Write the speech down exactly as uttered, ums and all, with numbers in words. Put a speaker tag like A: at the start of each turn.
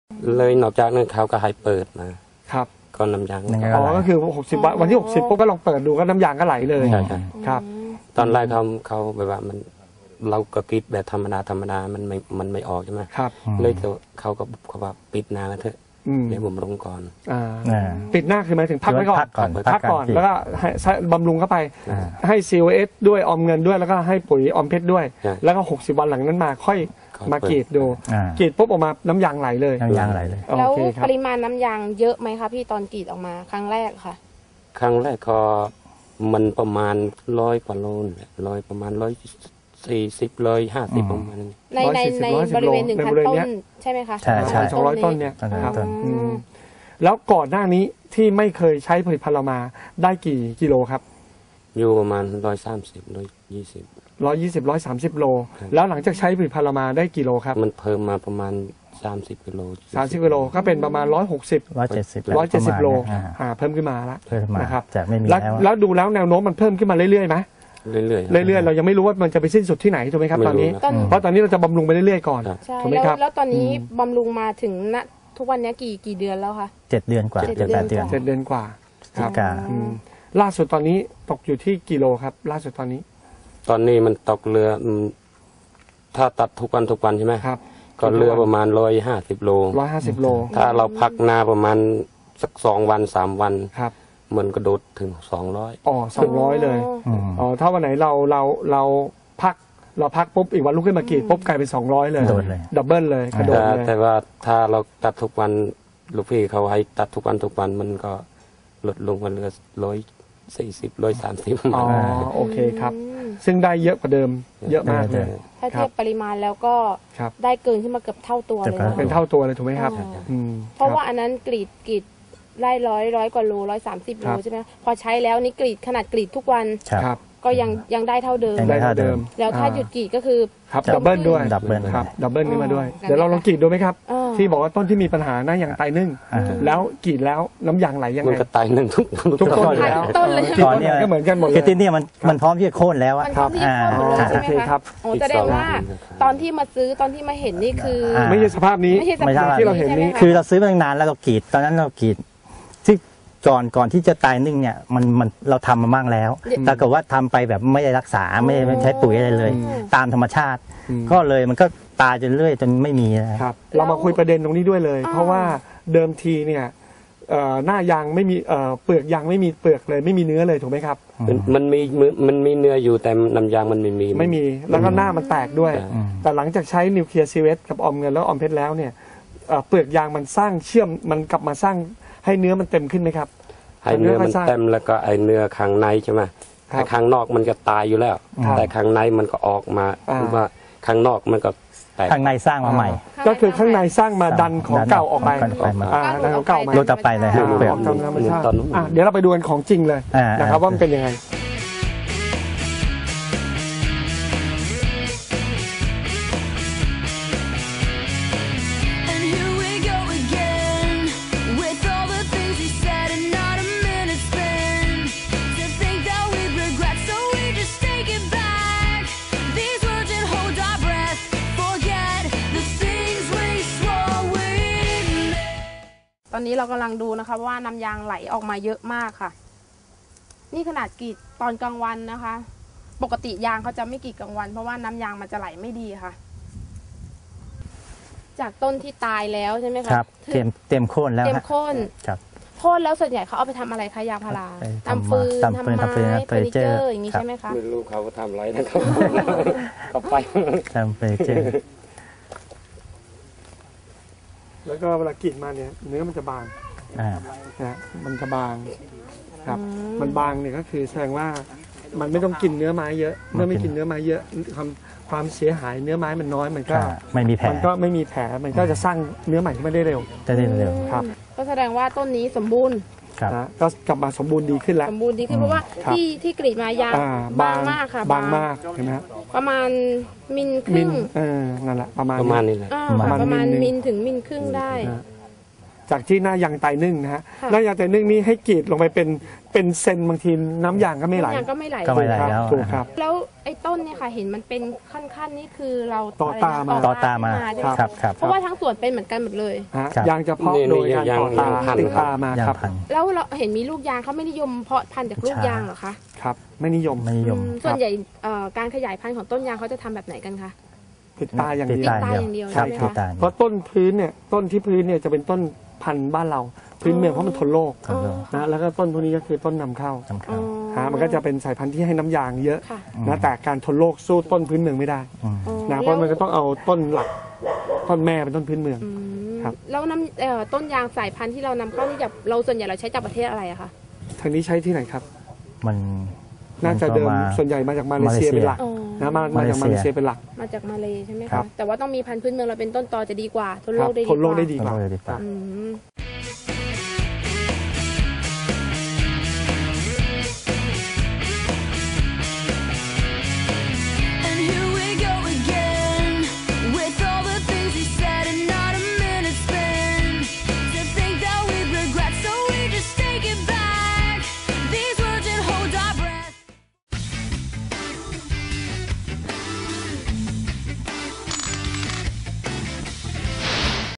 A: เลยนอกจากนั้นเขาก็ให้เปิดมา
B: ครับ
A: ก็น้ำยาง
B: อ๋อก็คือหกสิบวันวันที่หกสิบปุ๊บก็ลองเปิดดูก็น้ำยางก็ไหลเลย
A: ใช่
B: ครับ
A: ตอนแรกเขาเขาแบบว่ามันเราก็กรีดแบบธรรมดาธรรมดามันไม่มันไม่ออกใช่ไหม
B: ครับ
A: เลยเขาก็เขาว่าปิดนาเถอะเดี๋ยวผมลงก่อน
B: ปิดหน้าคือหมายถึงพักไว้ก่อนพักก่อนแล้วก็ให้บำรุงเข้าไปให้ ซี โอ เอส ด้วยออมเงินด้วยแล้วก็ให้ปุ๋ยออมเพชรด้วยแล้วก็หกสิบวันหลังนั้นมาค่อยมากรีดดูกรีดปุ๊บออกมาน้ำยางไหลเลย
C: น้ำยางไหลเลย
D: แล้วปริมาณน้ำยางเยอะไหมคะพี่ตอนกรีดออกมาครั้งแรกค่ะ
A: ครั้งแรกก็มันประมาณร้อยกว่าโลร้อยประมาณร้อยสี่สิบร้อยห้าสิบประมาณ
D: ในในในบริเวณหนึ่งพันต้นใช่ไหมคะ
C: ใช่ใช่
B: สองร้อยต้นเนี่ยครับแล้วก่อนหน้านี้ที่ไม่เคยใช้ผลิตภัณฑ์เรามาได้กี่กิโลครับ
A: อยู่ประมาณร้อยสามสิบร้อยยี่สิบ
B: ร้อยยี่สิบร้อยสามสิบโลแล้วหลังจากใช้ผลิตภัณฑ์เรามาได้กี่โลครับ
A: มันเพิ่มมาประมาณสามสิบกิโล
B: สามสิบกิโลก็เป็นประมาณร้อยหกสิบ
C: ร้อยเจ็ดสิบ
B: ร้อยเจ็ดสิบโลอ่าเพิ่มขึ้นมาแล้วนะครับ
C: จะไม่มี
B: แล้วแล้วดูแล้วแนวโน้มมันเพิ่มขึ้นมาเรื่อยๆไหม
A: เรื่อย
B: ๆเรื่อยๆเรายังไม่รู้ว่ามันจะไปสิ้นสุดที่ไหนถูกไหมครับตอนนี้เพราะตอนนี้เราจะบำรุงไปเรื่อยๆก่อน
D: ถูกไหมครับแล้วตอนนี้บำรุงมาถึงณทุกวันนี้กี่กี่เดือนแล้วคะ
C: เจ็ดเดือนกว่าเจ็ดแปดเดือน
B: เจ็ดเดือนกว่าครับล่าสุดตอนนี้ตกอยู่ที่กิโลครับล่าสุดตอนนี้
A: ตอนนี้มันตกเรือถ้าตัดทุกวันทุกวันใช่ไหม
B: ครับ
A: ก็เรือประมาณร้อยห้าสิบโล
B: ร้อยห้าสิบโล
A: ถ้าเราพักนาประมาณสักสองวันสามวัน
B: ครับ
A: มันกระโดดถึงสองร้อย
B: อ๋อสองร้อยเลยอ๋อถ้าวันไหนเราเราเราพักเราพักปุ๊บอีกวันลุกขึ้นมากรีดปุ๊บกลายเป็นสองร้อยเลยดับเบิลเลยกระโดดเลย
A: แต่ว่าถ้าเราตัดทุกวันลูกพี่เขาให้ตัดทุกวันทุกวันมันก็ลดลงมาเหลือร้อยสี่สิบร้อยสามสิบ
B: อ๋อโอเคครับซึ่งได้เยอะกว่าเดิมเยอะมากเลย
D: ถ้าเทียบปริมาณแล้วก็ได้เกินขึ้นมาเกือบเท่าตัวเลย
B: เป็นเท่าตัวเลยถูกไหมครับ
D: เพราะว่าอันนั้นกรีดกรีดได้ร้อยร้อยกว่าโลร้อยสามสิบโลใช่ไหมพอใช้แล้วนี่กรีดขนาดกรีดทุกวันก็ยังยังได้เท่าเดิม
B: ได้เท่าเดิม
D: แล้วถ้าหยุดกรีดก็คือ
B: ครับดับเบิลด้วย
C: ดับเบิล
B: ครับดับเบิลขึ้นมาด้วยเดี๋ยวเราลองกรีดดูไหมครับที่บอกว่าต้นที่มีปัญหาหน้ายางตายนึ่งแล้วกรีดแล้วน้ำยางไหลยังไง
A: มันก็ตายนึ่งทุก
B: ทุกต้นแล้ว
D: ต้นเลย
B: ตอนนี้ก็เหมือนกันหมดเลย
C: คือที่นี่มันมันพร้อมที่จะโค่นแล้ว
D: ครับโอเคครับโอ้แสดงว่าตอนที่มาซื้อตอนที่มาเห็นนี่คือ
B: ไม่ใช่สภาพนี้
D: ไม่ใช่
B: ที่เราเห็นนี้
C: คือเราซื้อมาตั้งนานแล้วเรากรีดตอนนั้นเรากรีดที่ก่อนก่อนที่จะตายนึ่งเนี่ยมันมันเราทำมาบ้างแล้วแต่ก็ว่าทำไปแบบไม่ได้รักษาไม่ไม่ใช้ปุ๋ยอะไรเลยตามธรรมชาติก็เลยมันก็ตายจนเรื่อยจนไม่มี
B: ครับเรามาคุยประเด็นตรงนี้ด้วยเลยเพราะว่าเดิมทีเนี่ยหน้ายางไม่มีเปลือกยางไม่มีเปลือกเลยไม่มีเนื้อเลยถูกไหมครับ
A: มันมีมันมีเนื้ออยู่แต่น้ำยางมันไม่มี
B: ไม่มีแล้วก็หน้ามันแตกด้วยแต่หลังจากใช้นิวเคลียร์ซีเวสกับออมเงินแล้วออมเพชรแล้วเนี่ยเปลือกยางมันสร้างเชื่อมมันกลับมาสร้างให้เนื้อมันเต็มขึ้นไหมครับ
A: ให้เนื้อมันเต็มแล้วก็ไอเนื้อข้างในใช่ไหมข้างนอกมันก็ตายอยู่แล้วแต่ข้างในมันก็ออกมาว่าข้างนอกมันก็
C: ข้างในสร้างมาใหม่
B: ก็คือข้างในสร้างมาดันของเก่าออกไปดันของเก่ามา
C: ลดต่อไปเลยครับเปลือก
B: เดี๋ยวเราไปดูกันของจริงเลยนะครับว่ามันเป็นยังไง
D: ตอนนี้เรากำลังดูนะคะว่าน้ำยางไหลออกมาเยอะมากค่ะนี่ขนาดกรีดตอนกลางวันนะคะปกติยางเขาจะไม่กรีดกลางวันเพราะว่าน้ำยางมันจะไหลไม่ดีค่ะจากต้นที่ตายแล้วใช่ไหมคะ
C: ครับเต็มเต็มโค่นแล้ว
D: เต็มโค่น
C: ครับ
D: โค่นแล้วส่วนใหญ่เขาเอาไปทำอะไรคะยางพาราทำฟืนทำไม้เฟอร์นิเจอร์อย่างนี้ใช่ไหมคะ
A: ไม่รู้เขาทำอะไรนะครับก็ไป
C: ทำเฟอร์นิเจอร์
B: แล้วก็เวลากรีดมาเนี่ยเนื้อมันจะบางนะมันจะบางครับมันบางเนี่ยก็คือแสดงว่ามันไม่ต้องกินเนื้อไม้เยอะเมื่อไม่กินเนื้อไม้เยอะความความเสียหายเนื้อไม้มันน้อยมันก็
C: ไม่มีแผล
B: มันก็ไม่มีแผลมันก็จะสร้างเนื้อใหม่ที่ไม่ได้เร็ว
C: จะได้เร็ว
B: ครับ
D: ก็แสดงว่าต้นนี้สมบูรณ์
B: นะก็กลับมาสมบูรณ์ดีขึ้นแล้ว
D: สมบูรณ์ดีขึ้นเพราะว่าที่ที่กรีดมายางบางมากค่ะ
B: บางมากเห็นไหม
D: ประมาณมิลครึ่ง
B: เออนั่นแหละประมาณ
A: ประมาณนี้แหละ
D: ประมาณมิลถึงมิลครึ่งได้
B: จากที่หน้ายางไตนึ่งนะฮะ
D: ค่ะ
B: หน้ายางไตนึ่งนี้ให้กรีดลงไปเป็นเป็นเซนบางทีน้ำยางก็ไม่ไหล
D: น้ำยางก็ไม่ไหล
C: ก็ไม่ไหล
B: ครับ
C: แล้ว
B: ถูกครับ
D: แล้วไอ้ต้นเนี่ยค่ะเห็นมันเป็นขั้นๆนี่คือเรา
B: ต่อตามา
C: ต่อตามา
D: ใช่ไหม
C: ครับครับ
D: เพราะว่าทั้งสวนเป็นเหมือนกันหมดเลย
B: ฮะ
C: ครับ
B: ยางจะเพาะ
A: นี่
B: โดย
A: นี่
B: การ
A: ยาง
B: ต่อตาย
A: างพันธุ์
B: ติดตามา
C: ย่า
B: ครับ
C: งพันธุ์
D: แล้วเราเห็นมีลูกยางเขาไม่นิยมเพาะพันธุ์จากลูก
C: ใช่
D: ยางเหรอคะ
B: ครับ ไม่นิยม
C: ไม่นิยม
D: อืมส่วนใหญ่เอ่อการขยายพันธุ์ของต้นยางเขาจะทำแบบไหนกันคะ
B: ติดตาอย่าง
C: ติด
B: เดียว
C: ตา
D: ตาอย่างเดียว
C: ครับ
D: ใช่ไหมคะ
C: ติดตา
B: เพราะต้นพื้นเนี่ยต้นที่พื้นเนี่ยจะเป็นต้นพันธุ์บ้านเราพื้นเมืองเพราะมันทนโรค
C: ทนโรค
B: นะแล้วก็ต้นพวกนี้ก็คือต้นนำเข้า
C: สำคั
D: อ๋
C: ญ
D: อ
B: ฮะมันก็จะเป็นสายพันธุ์ที่ให้น้ำยางเยอะ
D: ค่ะ
B: นะแต่การทนโรคสู้ต้นพื้นเมืองไม่ได้
C: อืม
D: อ๋อ
B: นะเพราะมันก็ต้องเอาต้นหลักต้นแม่เป็นต้นพื้นเมือง
D: อืม
B: ครับ
D: แล้วน้ำเอ่อต้นยางสายพันธุ์ที่เรานำเข้านี่จากเราส่วนใหญ่เราใช้จากประเทศอะไรอะคะ
B: ทางนี้ใช้ที่ไหนครับ
C: มัน
B: น่าจะเดิม
C: ก็มา
B: ส่วนใหญ่มาจากมาเลเซีย
C: มาเลเซีย
B: เป็นหลัก
D: อ๋อ
B: นะมามาจากมาเลเซียเป็นหลัก
D: มาจากมาเลยใช่ไหม
B: ครั
D: คะ
B: บ
D: แต่ว่าต้องมีพันธุ์พื้นเมืองเราเป็นต้นตอจะดีกว่าทน
B: ค
D: โร
B: รับ
D: คได้
B: ทนโรคได้
D: ดี
B: ดี
D: กว่า
B: กว่า
C: ทนโรคได้ดีกว่า
D: อืม